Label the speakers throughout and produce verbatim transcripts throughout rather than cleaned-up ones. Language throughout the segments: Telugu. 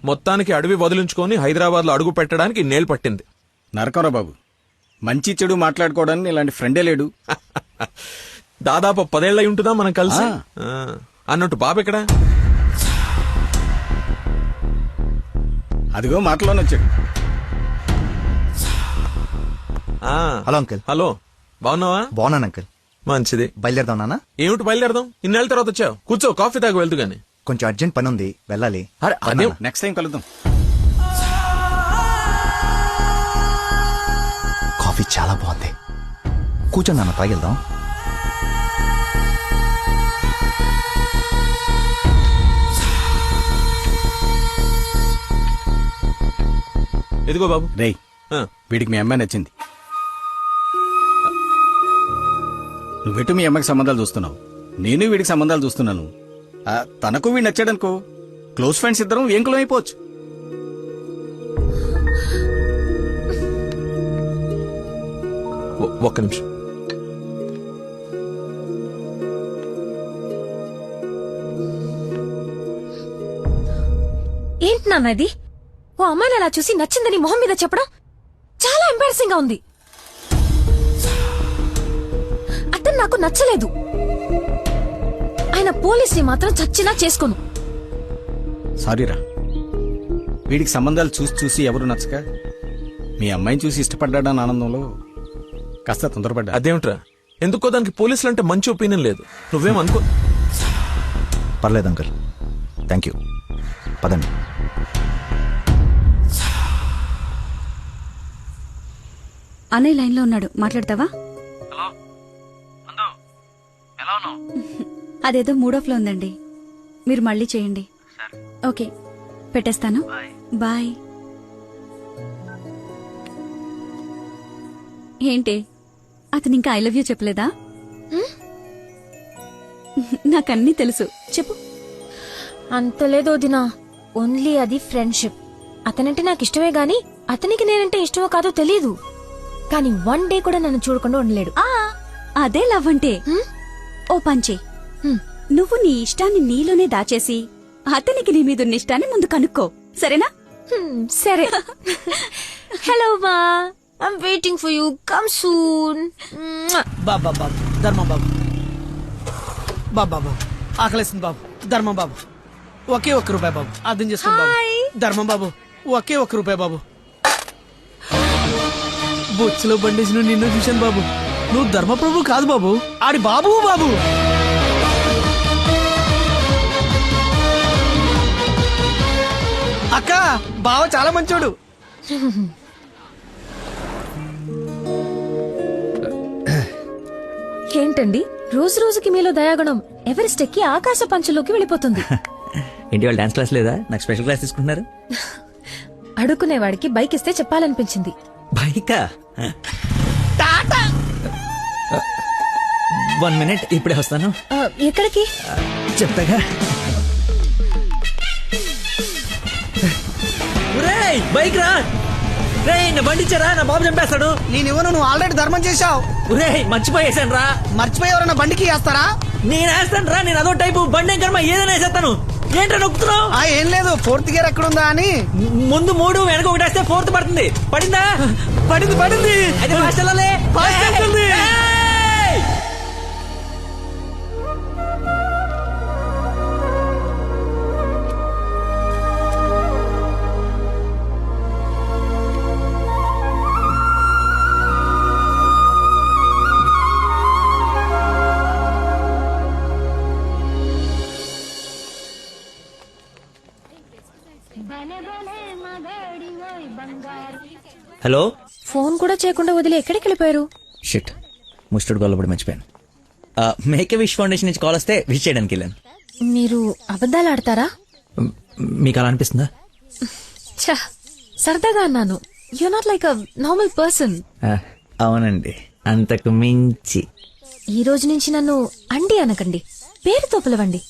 Speaker 1: మొత్తానికి అడవి వదిలించుకొని హైదరాబాద్ లో అడుగు పెట్టడానికి నేలు పట్టింది.
Speaker 2: నరకరా బాబు, మంచి చెడు మాట్లాడుకోవడానికి ఇలాంటి ఫ్రెండే లేడు.
Speaker 1: దాదాపు పదేళ్ళై ఉంటుందా మనం కలిసి. అన్నట్టు బాబు ఎక్కడా?
Speaker 2: అదిగో మాటలోనే వచ్చాడు.
Speaker 3: Hello uncle.
Speaker 1: హలో, బాగున్నావా?
Speaker 3: బాగున్నాను అంకుల్.
Speaker 1: మంచిది.
Speaker 3: బయలుదేరదాం నాన్న.
Speaker 1: ఏమిటి బయలుదేరదాం? ఇన్నేళ్ళ తర్వాత వచ్చావు, కూర్చో, కాఫీ తాగి వెళ్తూ గాని.
Speaker 3: కొంచెం అర్జెంట్ పని ఉంది, వెళ్ళాలి.
Speaker 1: అదే
Speaker 2: నెక్స్ట్ టైం కలుద్దాం.
Speaker 3: కాఫీ చాలా బాగుంది, కూర్చో నాన్న, తాగిద్దాం.
Speaker 1: ఎదిగో బాబు.
Speaker 2: రేయ్, వీడికి మీ అమ్మాయి నచ్చింది. నువ్వెటు మీ అమ్మకి సంబంధాలు చూస్తున్నావు, నేను వీడికి సంబంధాలు చూస్తున్నాను. ఆ, తనకు వీడు నచ్చాడనుకో, క్లోజ్ ఫ్రెండ్స్ ఇద్దరం ఏంకులం అయిపోవచ్చు.
Speaker 1: ఒక్క నిమిషం.
Speaker 4: ఏంటి నాన్న ఇది? ఓ అమ్మాయిని అలా చూసి నచ్చిందని మొహం మీద చెప్పడం చాలా ఎంబారసింగ్ గా ఉంది. అతను నాకు నచ్చలేదు. ఆయన పోలీసుని మాత్రం చచ్చినా చేసుకోను.
Speaker 2: సారీరా, వీడికి సంబంధాలు చూసి చూసి ఎవరు నచ్చక మీ అమ్మాయిని చూసి ఇష్టపడ్డాడని ఆనందంలో కాస్త తొందరపడ్డా.
Speaker 1: అదేమిట్రా, ఎందుకో దానికి పోలీసులు అంటే మంచి ఒపీనియన్ లేదు. నువ్వేం అనుకో.
Speaker 3: పర్లేదు అంకుల్, థ్యాంక్ యూ. పదండి.
Speaker 5: అన్నయ్య లైన్ లో ఉన్నాడు, మాట్లాడతావా? అదేదో మూడో ఫ్లో ఉందండి, మీరు మళ్ళీ చేయండి. ఓకే, పెట్టేస్తాను. బాయ్. ఏంటి, అతను ఇంకా ఐ లవ్ యూ చెప్పలేదా? నాకన్నీ తెలుసు, చెప్పు.
Speaker 4: అంత లేదో దినా, ఓన్లీ అది ఫ్రెండ్షిప్. అతనంటే నాకు ఇష్టమే గాని అతనికి నేనంటే ఇష్టమో కాదో తెలీదు. కానీ వన్ డే కూడా నన్ను చూడకుండా ఉండలేడు.
Speaker 5: ఆ అదే లవ్ అంటే. ఓ పంచే, నువ్వు నీ ఇష్టాన్ని నీలోనే దాచేసి అతనికి నీ మీద ఉన్న ఇష్టాన్ని ముందు కనుక్కో, సరేనా?
Speaker 4: సరే. హలో మా, I'm waiting for you, come soon.
Speaker 6: బాబా బాబు, ధర్మం బాబు. బాబా బాబు, ఆకలేస్తుంది బాబు. ధర్మం బాబు, ఒకే ఒక్క రూపాయి బాబు, అర్థం చేసుకోండి బాబు. ధర్మం బాబు, ఒకే ఒక్క రూపాయి బాబు. బొచ్చులో బండేసి నిన్ను చూశాను బాబు. నువ్వు ధర్మప్రభు కాదు బాబు, ఆడి బాబు బాబు. అక్క, బావ చాలా మంచోడు.
Speaker 4: ఏంటండి రోజు రోజుకి మీలో దయాగుణం ఎవరెస్ట్ ఎక్కి ఆకాశ పంచులోకి వెళ్ళిపోతుంది.
Speaker 7: ఏంటి వాళ్ళు డాన్స్ క్లాస్ లేదా? నాకు స్పెషల్ క్లాస్ తీసుకుంటున్నారు.
Speaker 4: అడుక్కునేవాడికి బైక్ ఇస్తే చెప్పాలనిపించింది.
Speaker 7: బైకా? వన్ మినిట్, ఇప్పుడే వస్తాను.
Speaker 4: ఎక్కడికి?
Speaker 7: చెప్తాగా. బైక్ రా రే, నా బండి ఇచ్చారా, నా బాబు చంపేస్తాడు.
Speaker 6: నేను ఇవ్వను, నువ్వు ఆల్రెడీ ధర్మం చేశావు.
Speaker 7: ఒరే, మర్చిపోయేసాను రా.
Speaker 6: మర్చిపోయి ఎవరన్నా బండికి వేస్తారా?
Speaker 7: నేను వేస్తాను రా, నేను అదో టైపు బండి కర్మ ఏదైనా వేసేస్తాను. ఏంట్రా నొక్కుతున్నావు?
Speaker 6: ఏం లేదు, ఫోర్త్ గేర్ ఎక్కడుందా అని.
Speaker 7: ముందు మూడు వెనక ఒకటి వేస్తే ఫోర్త్ పడుతుంది. పడిందా?
Speaker 6: పడింది పడింది.
Speaker 7: అది ఫాస్ట్ వెళ్ళాలి.
Speaker 6: ఫాస్ట్ వెళ్తుంది.
Speaker 7: హలో.
Speaker 4: ఫోన్ కూడా చేయకుండా వదిలి ఎక్కడికి వెళ్ళిపోయారు?
Speaker 7: షిట్, ముస్టుడు గొల్లపడి మర్చిపోయాను. మేక్ విష్ ఫౌండేషన్ నుంచి కాల్ వస్తే విష్ చేయడానికి వెళ్ళాను.
Speaker 4: మీరు అబద్ధాలు ఆడతారా?
Speaker 7: మీకు అలా అనిపిస్తుందా?
Speaker 4: ఛ, సరదాగా అన్నాను. You not like a normal person.
Speaker 7: అవునండి, అంతకు మించి.
Speaker 4: ఈ రోజు నుంచి నన్ను అండి అనకండి, పేరుతో పిలవండి.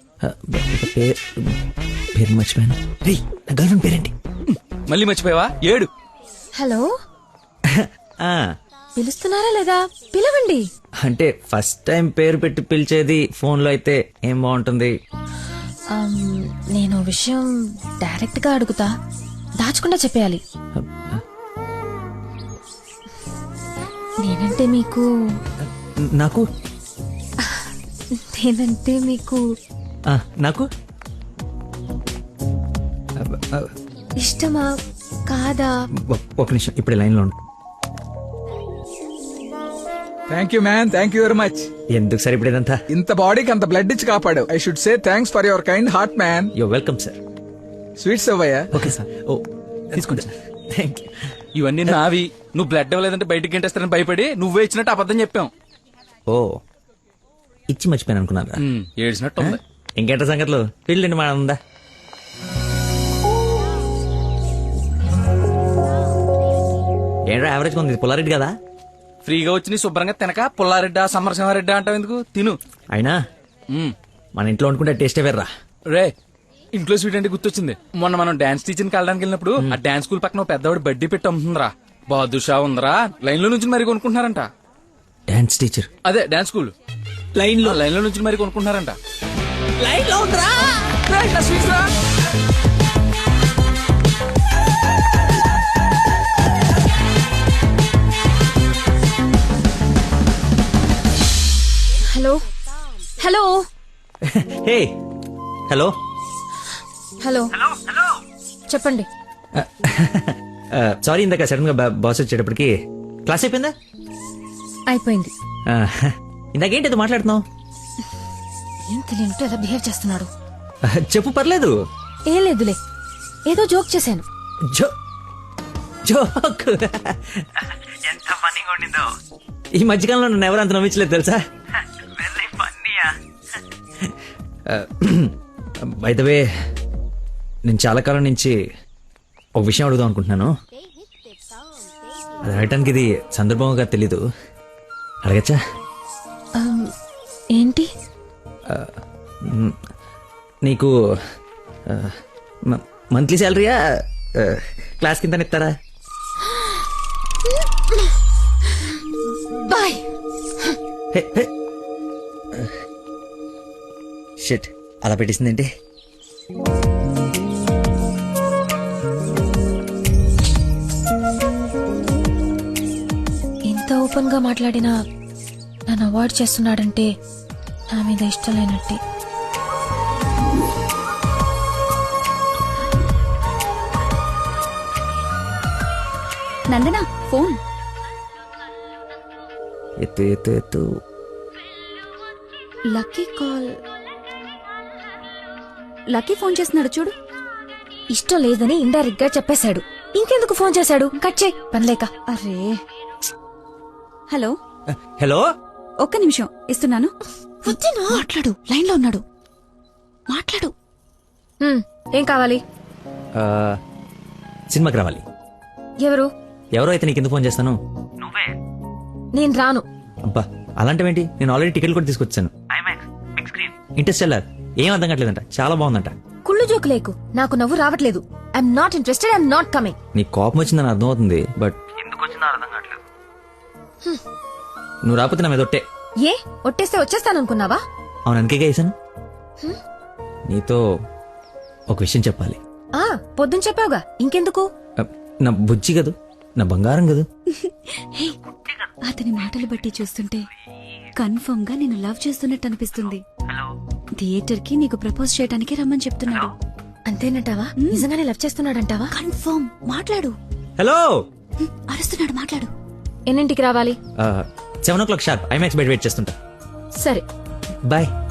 Speaker 7: పేరు మర్చిపోయాను. రే, నా గర్ల్ ఫ్రెండ్ పేరేంటి?
Speaker 2: మళ్ళీ మర్చిపోయావా? ఏడు.
Speaker 4: హలో, పిలుస్తున్నారా లేదా? పిలవండి.
Speaker 7: అంటే ఫస్ట్ టైం పేరు పెట్టి పిలిచేది ఫోన్ లో అయితే ఏం బాగుంటుంది?
Speaker 4: ఆమ్, నేను ఓ విషయం డైరెక్ట్ గా అడుగుతా, దాచకుండా చెప్పేయాలి. నేనంటే మీకు
Speaker 7: నాకు
Speaker 4: నేనంటే మీకు
Speaker 7: ఆ, నాకు
Speaker 4: ఇష్టమా కాదా?
Speaker 7: ఒ- ఒక నిమిషం ఇప్పుడు లైన్లో ఉండు.
Speaker 8: Thank you man, thank you very much.
Speaker 7: ఎందుకు సార్ ఇప్పుడు ఇదంతా?
Speaker 8: ఇంత బాడీకి అంత బ్లడ్ ఇచ్చి కాపాడు. I should say thanks for your kind heart man.
Speaker 7: Yo welcome sir.
Speaker 8: Sweets అవ్వయ్యా.
Speaker 7: Okay sir. ఓ తీసుకోండి సార్. Thank you.
Speaker 9: ఇవన్నీ నావి. నువ్వు బ్లడ్ ఇవ్వలేదంటే బయటికి గంటేస్తారని భయపడి నువ్వే ఇచ్చినట్టు అబద్ధం చెప్పాం.
Speaker 7: ఓ ఇచ్చి మర్చిపోయాను అనుకున్నారా?
Speaker 9: ఉమ్, ఏడ్చినట్టు ఉంది.
Speaker 7: ఇంకేంట సంగతులు? పెళ్ళండి మా ఉందా? ఏంట్రా యావరేజ్ ఉంది, పుల్లారెడ్డి కదా?
Speaker 9: ఫ్రీగా వచ్చి నీ శుభ్రంగా తినక పుల్లారెడ్డా సమరసింహారెడ్డా అంటావు ఎందుకు? తిను.
Speaker 7: అయినా
Speaker 9: ఉమ్.
Speaker 7: మన ఇంట్లో వండుకుంటే టేస్టే వేర్రా.
Speaker 9: రే, ఇంట్లో స్వీట్ అంటే గుర్తొచ్చింది. మొన్న మనం డాన్స్ టీచర్కి వెళ్ళడానికి వెళ్ళినప్పుడు ఆ డాన్స్ స్కూల్ పక్కన ఓ పెద్దవాడు బడ్డీ పెట్టి అమ్ముతుందిరా. బాదుషా ఉందరా. లైన్ లో నుంచి మరి కొనుక్కుంటున్నారంట.
Speaker 7: డాన్స్ టీచర్
Speaker 9: అదే డాన్స్ స్కూల్ లైన్ లో లైన్ లో నుంచి మరి కొనుక్కుంటున్నారంట. లైన్ లో ఉందిరా. రేయ్, నా స్వీట్స్ రా.
Speaker 4: Hello hello
Speaker 7: hey hello
Speaker 4: hello చెప్పండి.
Speaker 7: సారీ ఇందాక సడన్ గా బాస్ వచ్చేటప్పటికి క్లాస్ అయిపోయిందా?
Speaker 4: అయిపోయింది.
Speaker 7: ఆ, ఇందాకేంటి ఏదో మాట్లాడుతున్నావు?
Speaker 4: ఏం తెలియనట్టు ఎలా బిహేవ్ చేస్తున్నాడు.
Speaker 7: ఆ, చెప్పు పర్లేదు.
Speaker 4: ఏం లేదులే, ఏదో జోక్ చేశాను.
Speaker 7: జో జోక్ ఎంత ఫన్నీగా ఉండిందో. ఈ మధ్యకాలంలో నన్ను ఎవరు అంత నమ్మించలేదు తెలుసా? బై ద వే, నేను చాలా కాలం నుంచి ఒక విషయం అడుగుదాం అనుకుంటున్నాను. అది అడగటానికి ఇది సందర్భంగా తెలీదు. అడగచ్చా?
Speaker 4: ఆమ్, ఏంటి?
Speaker 7: మ్, నీకు మంత్లీ శాలరీయా క్లాస్ కింద ఇస్తారా?
Speaker 4: బాయ్.
Speaker 7: షిట్, అలా పెట్టేసిందేంటి?
Speaker 4: ఇంత ఓపెన్ గా మాట్లాడినా నన్ను అవాయిడ్ చేస్తున్నాడంటే నా మీద ఇష్టం లేనట్టే.
Speaker 5: నందన ఫోన్.
Speaker 7: ఎత్తు ఎత్తు ఎత్తు.
Speaker 5: Lucky call. లక్కీ ఫోన్ చేస్తున్నాడు చూడు.
Speaker 4: ఇష్టం లేదని ఇండైరెక్ట్ గా చెప్పేశాడు. ఇంకెందుకు ఫోన్ చేశాడు? కట్ చేయి, పనిలేక.
Speaker 5: అరే, హలో
Speaker 7: హలో,
Speaker 5: ఒక్క నిమిషం ఇస్తున్నాను. మాట్లాడు, లైన్ లో ఉన్నాడు. మాట్లాడు.
Speaker 4: హ్మ్, ఏం కావాలి?
Speaker 7: ఆ, సినిమాకి రావాలి.
Speaker 4: ఎవరు?
Speaker 7: ఎవరో అయితే నీకు ఎందుకు ఫోన్ చేస్తాను?
Speaker 4: నేను రాను.
Speaker 7: అబ్బా, అలాంటివేంటి? నేను ఆల్రెడీ టికెట్ కూడా తీసుకొచ్చాను. ఇంటర్స్టెల్లార్ ఏం అర్థం కావట్లేదంట, చాలా బాగుందంట.
Speaker 4: కుళ్ళు జోకు లేకు, నాకు నవ్వు రావట్లేదు. I'm not interested, I'm not coming.
Speaker 7: నీ కోపం వచ్చిందని అర్థం అవుతుంది, బట్ నువ్వు రాకపోతే నా మీద ఒట్టే.
Speaker 4: ఏ ఒట్టేస్తే వచ్చేస్తాననుకున్నావా?
Speaker 7: అవును, అందుకే వేసాను. నీతో ఒక విషయం చెప్పాలి.
Speaker 4: ఆ పొద్దున చెప్పావుగా, ఇంకెందుకు?
Speaker 7: ఆ, నా బుజ్జి కదూ, నా బంగారం కదూ.
Speaker 5: హే, అతని మాటలు బట్టి చూస్తుంటే కన్ఫర్మ్ గా నేను లవ్ చేస్తున్నట్టు అనిపిస్తుంది. థియేటర్ కి నీకు ప్రపోజ్ చేయడానికి రమ్మని చెప్తున్నాడు.
Speaker 4: అంతేనంటావా? నిజంగానే లవ్ చేస్తున్నాడంటావా?
Speaker 5: కన్ఫర్మ్. మాట్లాడు.
Speaker 7: హలో,
Speaker 5: హ్మ్, అరుస్తున్నాడు, మాట్లాడు.
Speaker 4: ఎన్నింటికి రావాలి?
Speaker 7: Seven o'clock sharp IMAX బయట వెయిట్ చేస్తుంటా.
Speaker 4: సరే,
Speaker 7: బాయ్.